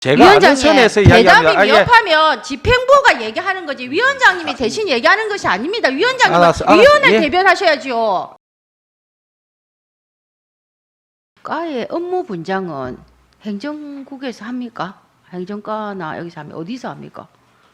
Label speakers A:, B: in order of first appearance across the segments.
A: 제가 아는
B: 위원장님,
A: 선에서
B: 대답이
A: 이야기합니다.
B: 미흡하면 집행부가 얘기하는 거지 위원장님이 대신 얘기하는 것이 아닙니다. 위원장님은
A: 알았어,
B: 위원을
A: 예.
B: 대변하셔야죠. 과의 업무 분장은 행정국에서 합니까? 행정과나 여기서 합니까? 어디서 합니까?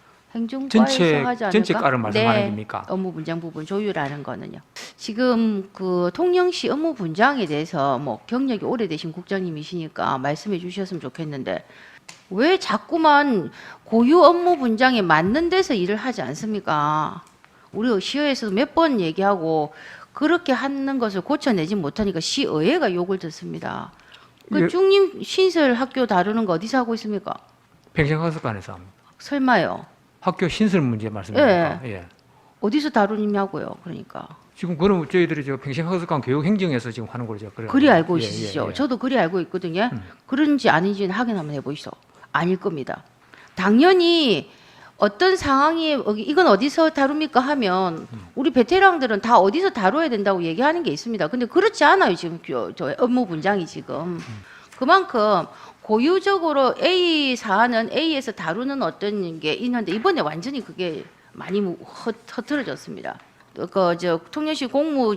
B: 행정과에서 하지 않을까?
C: 전체 과를 말씀하는
B: 네,
C: 겁니까?
B: 업무 분장 부분 조율하는 거는요. 지금 그 통영시 업무 분장에 대해서 뭐 경력이 오래되신 국장님이시니까 말씀해 주셨으면 좋겠는데 왜 자꾸만 고유 업무 분장에 맞는 데서 일을 하지 않습니까? 우리 시의회에서도 몇 번 얘기하고 그렇게 하는 것을 고쳐내지 못하니까 시의회가 욕을 듣습니다. 그
C: 예.
B: 중림 신설 학교 다루는 거 어디서 하고 있습니까?
C: 평생학습관에서 합니다.
B: 설마요.
C: 학교 신설 문제 말씀입니까? 예.
B: 어디서 다루냐고요. 그러니까.
C: 지금 그럼 저희들이 저 평생학습관 교육행정에서 지금 하는 걸로 제가
B: 그리 알고
C: 예,
B: 있으시죠?
C: 예, 예.
B: 저도 그리 알고 있거든요. 그런지 아닌지는 확인 한번 해보시죠. 아닐 겁니다. 당연히 어떤 상황이 이건 어디서 다룹니까 하면 우리 베테랑들은 다 어디서 다뤄야 된다고 얘기하는 게 있습니다. 근데 그렇지 않아요. 지금 저 업무 분장이 지금. 그만큼 고유적으로 A 사안은 A에서 다루는 어떤 게 있는데 이번에 완전히 그게 많이 흐트러졌습니다. 그저 통영시 공무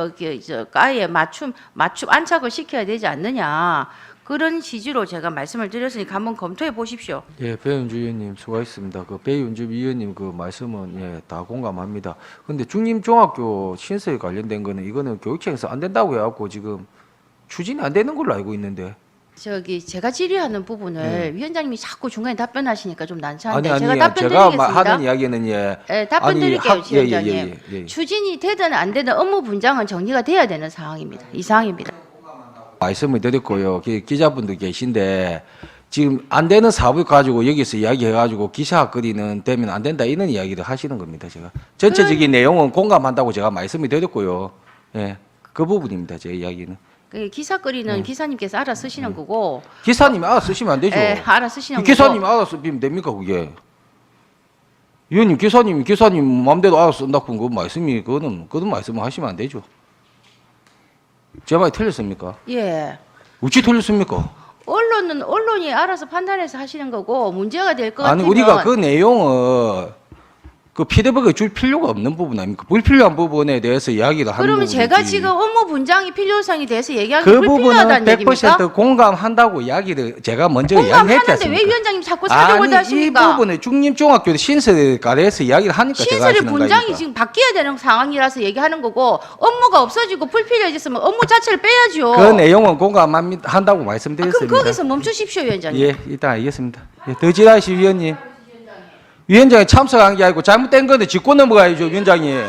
B: 저 과에 맞춤 안착을 시켜야 되지 않느냐 그런 취지로 제가 말씀을 드렸으니까 한번 검토해 보십시오.
D: 예, 배윤주 위원님 수고하셨습니다. 그 배윤주 위원님 그 말씀은 예, 다 공감합니다. 근데 중림중학교 신설에 관련된 거는 이거는 교육청에서 안 된다고 해갖고 지금 추진이 안 되는 걸로 알고 있는데.
B: 제가 질의하는 부분을 위원장님이 자꾸 중간에 답변하시니까 좀 난처한데
D: 아니
B: 제가
D: 아니요.
B: 답변
D: 제가
B: 드리겠습니다.
D: 하는 이야기는 예.
B: 네, 답변
D: 아니,
B: 드릴게요,
D: 예, 예,
B: 위원장님.
D: 예, 예, 예.
B: 추진이 되든 안 되든 업무 분장은 정리가 돼야 되는 상황입니다. 이 상황입니다.
D: 말씀을 드렸고요. 기자분들 계신데 지금 안 되는 사업을 가지고 여기서 이야기해가지고 기사 거리는 되면 안 된다 이런 이야기를 하시는 겁니다. 제가 전체적인 내용은 공감한다고 제가 말씀을 드렸고요. 예, 그 부분입니다. 제 이야기는.
B: 그 기사거리는 기사님께서 알아 쓰시는 거고.
D: 기사님이 알아 쓰시면 안 되죠.
B: 예, 알아 쓰시는 거고.
D: 기사님이 알아 쓰면 됩니까 그게? 위원님 기사님 마음대로 알아 쓴다고 그 말씀이 그거는 말씀을 하시면 안 되죠. 제 말이 틀렸습니까?
B: 예.
D: 어찌 틀렸습니까?
B: 언론이 알아서 판단해서 하시는 거고 문제가 될 것 같으면
D: 아니 우리가 그 내용을 그 피드백을 줄 필요가 없는 부분 아닙니까? 불필요한 부분에 대해서 이야기를 하는
B: 그러면
D: 부분이지.
B: 제가 지금 업무 분장이 필요성에 대해서 얘기하기
D: 그 부분은
B: 불필요하다는 얘기입니까?
D: 100% 공감한다고 이야기를 제가 먼저 이야기했지
B: 공감하는데
D: 않습니까?
B: 왜 위원장님 자꾸 사정을
D: 아니
B: 하십니까?
D: 이 부분에 중림중학교 신설에 관해서 이야기를 하니까 제가
B: 신설의
D: 하시는
B: 분장이
D: 거니까.
B: 지금 바뀌어야 되는 상황이라서 얘기하는 거고 업무가 없어지고 불필요해졌으면 업무 자체를 빼야죠.
D: 그 내용은 공감한다고
B: 그럼
D: 말씀드렸습니다.
B: 거기서 멈추십시오, 위원장님.
D: 예, 일단 알겠습니다. 예, 더지라시 위원님. 위원장이 참석한 게 아니고 잘못된 건데 짚고 넘어가야죠, 위원장님.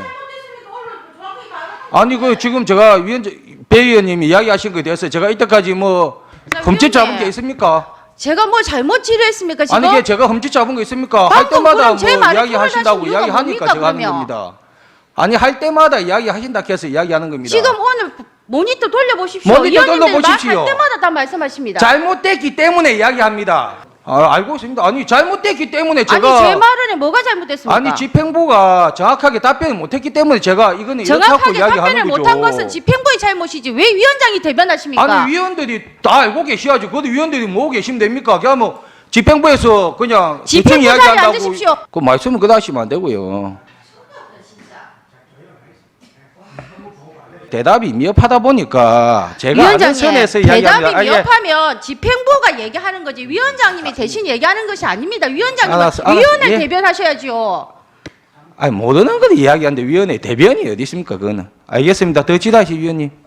D: 아니 그 지금 제가 배 위원님이 이야기하신 거에 대해서 제가 이때까지 뭐 흠집 잡은 게 있습니까?
B: 제가 뭐 잘못 질의했습니까 지금?
D: 아니 이게 제가 흠집 잡은 거 있습니까? 할
B: 방금
D: 때마다
B: 그럼
D: 뭐
B: 제 말에
D: 이야기하신다고
B: 토론하신 이유가
D: 이야기하니까
B: 뭡니까,
D: 제가 하는
B: 그러면?
D: 겁니다. 아니 할 때마다 이야기하신다 해서 이야기하는 겁니다.
B: 지금 오늘 모니터 돌려보십시오.
D: 모니터
B: 위원님들
D: 돌려보십시오.
B: 할 때마다 다 말씀하십니다.
D: 잘못됐기 때문에 이야기합니다. 알고 있습니다. 아니 잘못됐기 때문에 제가
B: 아니 제 말은 뭐가 잘못됐습니까?
D: 아니 집행부가 정확하게 답변을 못했기 때문에 제가 이거는 이렇게 하고
B: 정확하게
D: 이야기하는
B: 답변을
D: 거죠.
B: 못한 것은 집행부의 잘못이지 왜 위원장이 대변하십니까?
D: 아니 위원들이 다 알고 계셔야죠. 그것도 위원들이 모으고 계시면 됩니까? 그냥 뭐 집행부에서 그냥
B: 집행부
D: 대충
B: 자리에
D: 이야기한다고
B: 앉으십시오.
D: 그 말씀을 그다 하시면 안 되고요. 대답이 미흡하다 보니까 제가 아는
B: 위원장님
D: 선에서
B: 대답이
D: 이야기합니다.
B: 미흡하면 집행부가 얘기하는 거지 위원장님이 대신 얘기하는 것이 아닙니다. 위원장님은
D: 알았어,
B: 위원을
D: 예.
B: 대변하셔야죠.
D: 아니 모르는 걸 이야기하는데 위원회 대변이 어디 있습니까? 그거는 알겠습니다. 더 지다시 위원님.